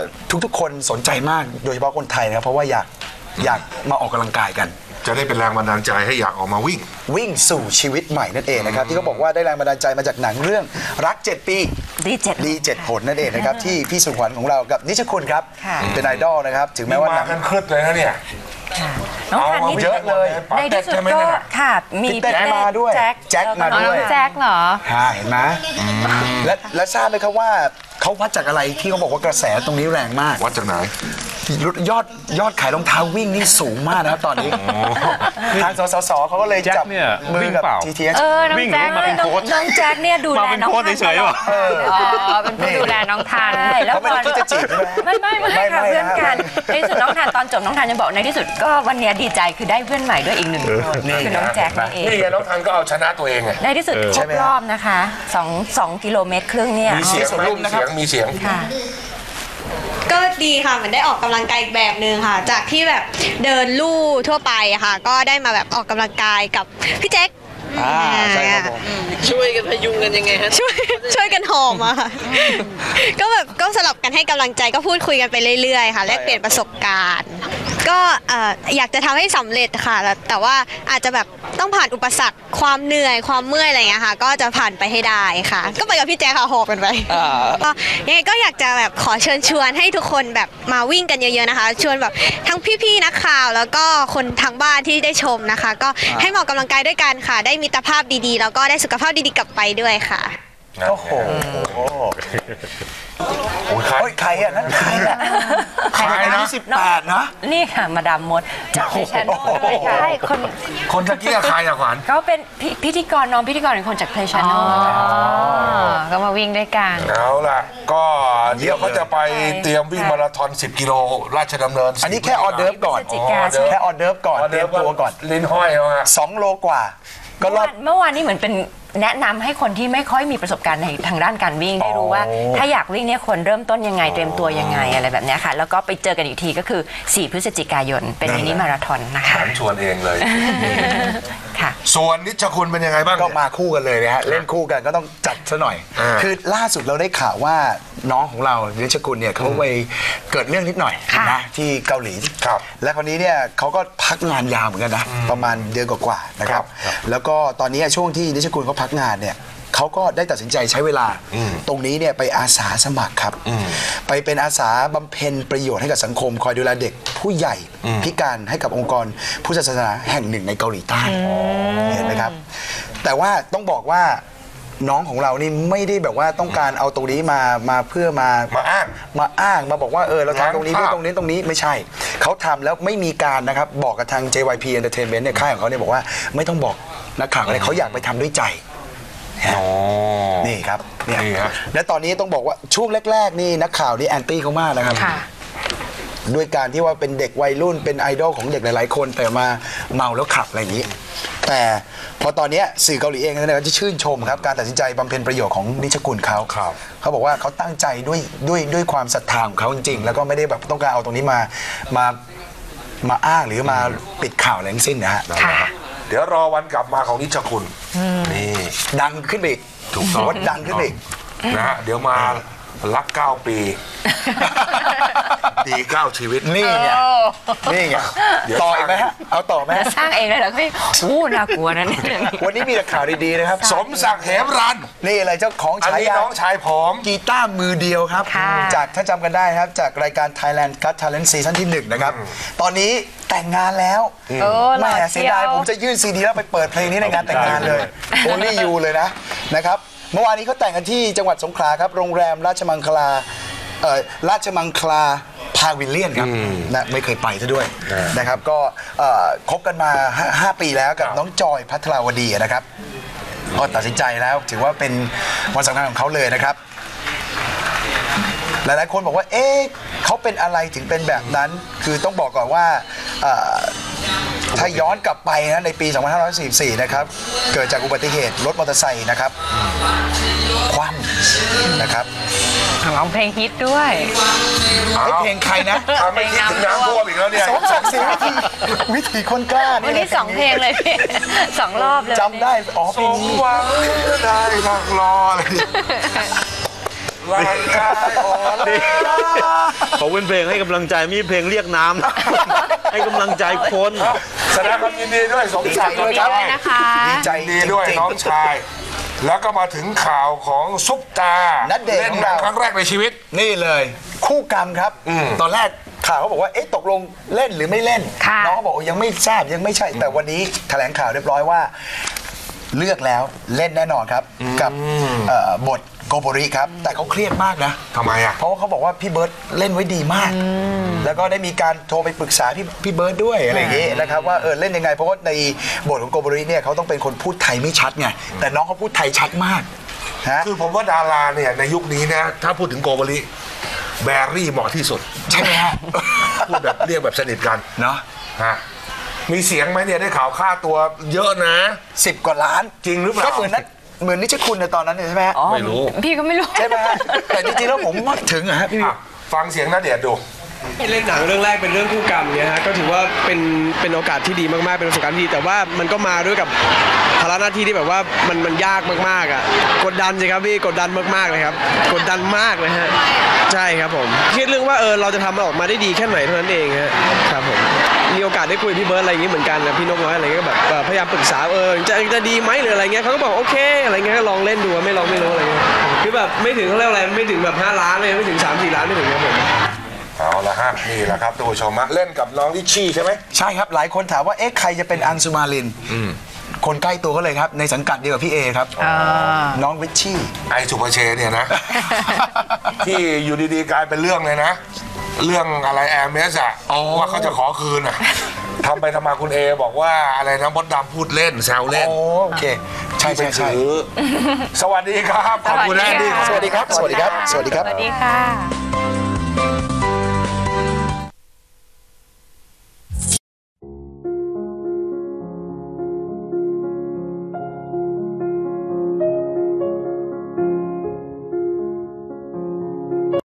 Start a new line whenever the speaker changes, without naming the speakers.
ทุกๆคนสนใจมากโดยเฉพาะคนไทยนะครับเพราะว่าอยากมาออกกำลังกายกัน
จะได้เป็นแรงบันดาลใจให้อยากออกมาวิ่ง
สู่ชีวิตใหม่นั่นเองนะครับที่เขาบอกว่าได้แรงบันดาลใจมาจากหนังเรื่องรัก7 ปีดี7ผลนั่นเองนะครับที่พี่สุขวัญของเรากับนิชคุณครับเป็นไอดอลนะครับถึงแม้ว่า
มากันครึดเลยนะเนี่ย
น้องทันนี่
เยอะเลย
ในที่สุดก็ค่ะมี
แจ็คมาด้วยแจ็คมาด้วย
แจ็คเหรอ
เห็นไหมและทราบไหมครับว่าเขาวัดจากอะไรที่เขาบอกว่ากระแสตรงนี้แรงมาก
วัดจากไหน
ยอดขายรองเท้าวิ่งนี่สูงมากนะครับตอนนี้ทางสสเขาก็เลยจับมือกับ GTH
น้องแจ็คเนี่ยดูแลน้องทันเฉยๆเป็นผู้ดูแลน้องทัน
แล้วพอที่จะจีบ
ไม่ค่ะเพื่อนกันในที่สุดน้องทันตอนจบน้องทันยังบอกในที่สุดก็วันนี้ดีใจคือได้เพื่อนใหม่ด้วยอีก1 คนคือน้องแจ็คนั่นเอง
นี่น้องทันก็เอาชนะตัวเองไง
ในที่สุดครบรอบนะคะ2 กิโลเมตรครึ่งเนี่ย
มีเสียงมีเสียง
ก็ดีค่ะเหมือนได้ออกกำลังกายอีกแบบนึงค่ะจากที่แบบเดินลู่ทั่วไปค่ะก็ได้มาแบบออกกำลังกายกับพี่แจ็ค
ใช่ครับผม
ช่วยกันพยุงกันยังไงฮะ
ช่วยกันหอมอะค่ะก็แบบก็สลับกันให้กำลังใจก็พูดคุยกันไปเรื่อยๆค่ะแลกเปลี่ยนประสบการณ์ก็อยากจะทำให้สำเร็จค่ะแต่ว่าอาจจะแบบต้องผ่านอุปสรรคความเหนื่อยความเมื่อยอะไรอย่างเงี้ยค่ะก็จะผ่านไปให้ได้ค่ะก็ไปกับพี่แจ๊คค่ะหอบกันไปยังไงก็อยากจะแบบขอเชิญชวนให้ทุกคนแบบมาวิ่งกันเยอะๆนะคะชวนแบบทั้งพี่ๆนักข่าวแล้วก็คนทางบ้านที่ได้ชมนะคะก็ให้มาออกกำลังกายด้วยกันค่ะได้มิตรภาพดีๆแล้วก็ได้สุขภาพดีๆกลับไปด้วยค่ะ
โอ้โหใครอ่ะนั่นใครอ่ะใครนะ18นะ
นี่ค่ะมาดามมดจากเพชรโน่เลยค่ะ
คนตะกี้ใครอะขวัญ
เขาเป็นพิธีกรน้องพิธีกรเป็นคนจากเพชรโน่ก็มาวิ่งด้วยกัน
เอาล่ะก็เดี๋ยวเขาจะไปเตรียมวิ่งมาราธอน10 กิโลราชดำเนิน
อันนี้แค่ออเดิร์ฟก่อนแค่ออเดิร์ฟก่อนเตรียมตัวก่อน
ลิ้นห้อยเอา
2 โลกว่าก็
เมื่อวานนี้เหมือนเป็นแนะนำให้คนที่ไม่ค่อยมีประสบการณ์ในทางด้านการวิ่งได้รู้ว่าถ้าอยากวิ่งเนี่ยควรเริ่มต้นยังไงเตรียมตัวยังไงอะไรแบบนี้ค่ะแล้วก็ไปเจอกันอีกทีก็คือ4 พฤศจิกายนเป็นมินิมาราธอนนะคะ
ชวนเองเลย
ค่ะ
ส่วนนิชคุณเป็นยังไงบ้าง
ก็มาคู่กันเลยนะฮะเล่นคู่กันก็ต้องจัดซะหน่อยคือล่าสุดเราได้ข่าวว่าน้องของเรานิชคุณเนี่ยเขาไปเกิดเรื่องนิดหน่อยนะที่เกาหลีและคราวนี้เนี่ยเขาก็พักงานยาวเหมือนกันนะประมาณเดือนกว่าๆนะครับแล้วก็ตอนนี้ช่วงที่นิชคุณเขาพักงานเนี่ยเขาก็ได้ตัดสินใจใช้เวลาตรงนี้เนี่ยไปอาสาสมัครครับไปเป็นอาสาบำเพ็ญประโยชน์ให้กับสังคมคอยดูแลเด็กผู้ใหญ่พิการให้กับองค์กรพุทธศาสนาแห่งหนึ่งในเกาหลีใต้เห็นไหมครับแต่ว่าต้องบอกว่าน้องของเรานี่ไม่ได้แบบว่าต้องการเอาตรงนี้มาเพื่อมา
อ้าง
มาบอกว่าเราทำตรงนี้เพื่อตรงนี้ไม่ใช่เขาทำแล้วไม่มีการนะครับบอกกับทาง JYP Entertainment เนี่ยค่ายของเขาเนี่ยบอกว่าไม่ต้องบอกนักข่าวอะไรเขาอยากไปทำด้วยใจนี่ครับเนี่ยและตอนนี้ต้องบอกว่าช่วงแรกๆนี่นักข่าวนี่แอนตี้เขามากนะครับด้วยการที่ว่าเป็นเด็กวัยรุ่นเป็นไอดอลของเด็กหลายๆคนแต่มาเมาแล้วขับอะไรอย่างนี้แต่พอตอนนี้สื่อเกาหลีเองเนี่ยก็จะชื่นชมครับการตัดสินใจบำเพ็ญประโยชน์ของนิชคุณเขาบอกว่าเขาตั้งใจด้วยความศรัทธาของเขาจริงๆแล้วก็ไม่ได้แบบต้องการเอาตรงนี้มาอ้างหรือมาปิดข่าวอะไรทั้งสิ้นนะฮะ
เดี๋ยวรอวันกลับมาของนิชคุณนี่
ดังขึ้นไปอีก
ถูกต้อง
ดังขึ้นไปอีก
นะฮะเดี๋ยวมารัก9 ปีดี9 ชีวิต
นี่ไงต่ออีกไหมฮะเอาต่อไหม
สร้างเองเลยเหรอพี่น่ากลัวนะเนี่ย
วันนี้มีแต่ข่าวดีๆนะครับ
สมศักดิ์เหมรัน
นี่อะไรเจ้าของฉายา
น้องชายผม
กีตาร์มือเดียวครับจากถ้าจำกันได้ครับจากรายการ Thailand Got Talent ซีซั่นที่1นะครับตอนนี้แต่งงานแล้วแม่เสียดายผมจะยื่นซีดีแล้วไปเปิดเพลงนี้ในงานแต่งงานเลย Only You เลยนะครับเมื่อวานนี้เขาแต่งกันที่จังหวัดสงขลาครับโรงแรมราชมังคลาพาวิลเลียนครับนะไม่เคยไปซะด้วยนะครับก็คบกันมา5 ปีแล้วกับน้องจอยภัทราวดีนะครับก็ตัดสินใจแล้วถือว่าเป็นวันสำคัญของเขาเลยนะครับหลายๆคนบอกว่าเขาเป็นอะไรถึงเป็นแบบนั้นคือต้องบอกก่อนว่าถ้าย้อนกลับไปนะในปี 2544 นะครับเกิดจากอุบัติเหตุรถมอเตอร์ไซค์นะครับคว่ำนะครับ
ร้องเพลงฮิตด้วย
เพลงใครนะ
ไม่คิดถึงน้ำท่วมอีกแล้วเนี่ย
วิถีคนกล้า
วันนี้2 เพลงเลยพี่2 รอบเลย
จำได้เพลงนี้
หวังได้ทางรอเลยร่างกายอ่อนล้า
เขาเป็นเพลงให้กำลังใจมีเพลงเรียกน้ำ ให้กำลังใจคน
แสดงความยินดีด้วยสมศักดิ์
ยินดีด้วยนะคะ
ดีใจ
ดีด้วย
จริงๆ
น้องชาย แล้วก็มาถึงข่าวของซุปตา
ณเดชน์
เล่น
ของ
หนั
เรา
งครั้งแรกในชีวิต
นี่เลยคู่กรรมครับ ตอนแรกข่าวเขาบอกว่าเอ๊ะตกลงเล่นหรือไม่เล่น
ค่ะ
น้องเขาบอกว่ายังไม่ทราบยังไม่ใช่ แต่วันนี้แถลงข่าวเรียบร้อยว่า เลือกแล้วเล่นแน่นอนครับกับบทโกโบริครับแต่เขาเครียดมากนะ
ทำไมอ่ะ
เพราะว่าเขาบอกว่าพี่เบิร์ตเล่นไว้ดีมาก แล้วก็ได้มีการโทรไปปรึกษาพี่เบิร์ตด้วยอะไรอย่างงี้นะครับว่าเล่นยังไงเพราะว่าในบทของโกโบริเนี่ยเขาต้องเป็นคนพูดไทยไม่ชัดไงแต่น้องเขาพูดไทยชัดมากฮะ
คือผมว่าดาราเนี่ยในยุคนี้นะถ้าพูดถึงโกโบริแบรี่เหมาะที่สุด
ใช่ไหมฮะ
พูดแบบเรียกแบบสนิทกัน
เนาะ
ฮะมีเสียงไหมเนี่ยได้ข่าวค่าตัวเยอะนะ
10 กว่าล้าน
จริงหรือเปล่า
ก็เหมือนนิชคุณในตอนนั้นเนี่ยใช่ไหมฮะ
อ๋อ
ไม่รู้
พี่ก็ไม่รู้
ใช่ไหมฮะแต่จริงๆแล้วผมว่าถึงอะฮะพี่
อ่ะฟังเสียงณเดชน์ดู
เล่นหนังเรื่องแรกเป็นเรื่องคู่กรรมเนี่ยฮะก็ถือว่าเป็นโอกาสที่ดีมากๆเป็นประสบการณ์ที่ดีแต่ว่ามันก็มาด้วยกับภาระหน้าที่ที่แบบว่ามันยากมากๆอ่ะกดดันสิครับพี่กดดันมากๆเลยครับกดดันมากเลยฮะใช่ครับผมคิดเรื่องว่าเราจะทำมันออกมาได้ดีแค่ไหนเท่านั้นเองฮะครับผมมีโอกาสได้คุยกับพี่เบิร์ดอะไรอย่างงี้เหมือนกันนะพี่นกน้อยอะไรเงี้ยก็แบบพยายามปรึกษาจะดีไหมหรืออะไรเงี้ยเขาก็บอกโอเคอะไรเงี้ยก็ลองเล่นดูไม่ลองไม่รู้อะไรเงี้ยคือแบบไม่ถึงเขาเรียกอะไรไม่ถึงแบบ5 ล้านเลยไม่ถึง3-4 ล้านไม่ถึงครับผม
เอาละฮะนี่แหละครับทุกผู้ชมฮะเล่นกับน้องลิชชี่ใช่ไหม
ใช่ครับหลายคนถามว่าเอ๊ะใครจะเป็นอังสุมาลินคนใกล้ตัวก็เลยครับในสังกัดเดียวกับพี่เอครับน้องวิชชี่
ไอสุภเชษเนี่ยนะ ที่อยู่ดีๆกลายเป็นเรื่องเลยนะ เรื่องอะไรแอร์เมสอะว่าเขาจะขอคืนอะทำไปทำมาคุณเอบอกว่าอะไรนะมดดำพูดเล่นแซวเล่น
โอเคใช่
ที่ไป
ใช่
ถือสวัสดีครับขอบคุณนะ
สวัสดีค่ะ
สวัสดีครับสวัสดีครับสวัสดีครับ
สวัสดีค่ะ